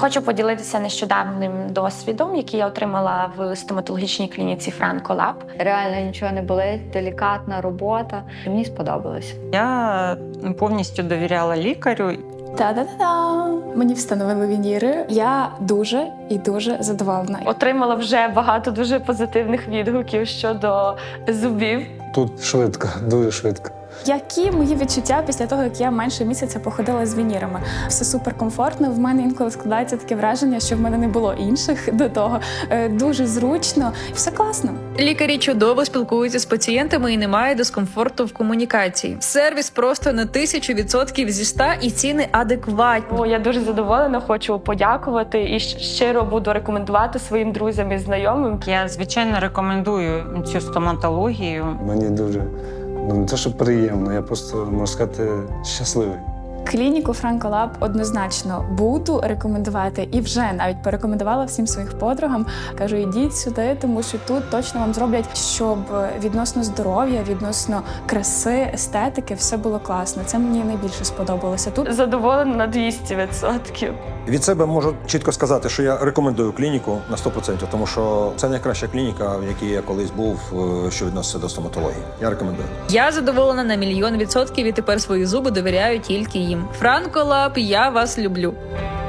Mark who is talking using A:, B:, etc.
A: Хочу поділитися нещодавнім досвідом, який я отримала в стоматологічній клініці Franco Lab.
B: Реально нічого не болить, делікатна робота. Мені сподобалось.
C: Я повністю довіряла лікарю.
D: Та-да-да-да! Мені встановили вініри. Я дуже і дуже задоволена.
A: Отримала вже багато дуже позитивних відгуків щодо зубів.
E: Тут швидко, дуже швидко.
D: Які мої відчуття після того, як я менше місяця походила з вінірами? Все суперкомфортно. В мене інколи складається таке враження, що в мене не було інших до того. Дуже зручно. Все класно.
F: Лікарі чудово спілкуються з пацієнтами і немає дискомфорту в комунікації. Сервіс просто на 1000% зі 100 і ціни адекватні.
A: Я дуже задоволена, хочу подякувати і щиро буду рекомендувати своїм друзям і знайомим.
C: Я, звичайно, рекомендую цю стоматологію.
E: Мені дуже, не те, що приємно, я просто, можна сказати, щасливий.
D: Клініку Franco Lab однозначно буду рекомендувати і вже навіть порекомендувала всім своїм подругам. Кажу, ідіть сюди, тому що тут точно вам зроблять, щоб відносно здоров'я, відносно краси, естетики все було класно. Це мені найбільше сподобалося тут.
A: Задоволена на 200%.
G: Від себе можу чітко сказати, що я рекомендую клініку на 100%, тому що це найкраща клініка, в якій я колись був, що відноситься до стоматології. Я рекомендую.
F: Я задоволена на 1000000% і тепер свої зуби довіряю тільки їм. Franco Lab, я вас люблю.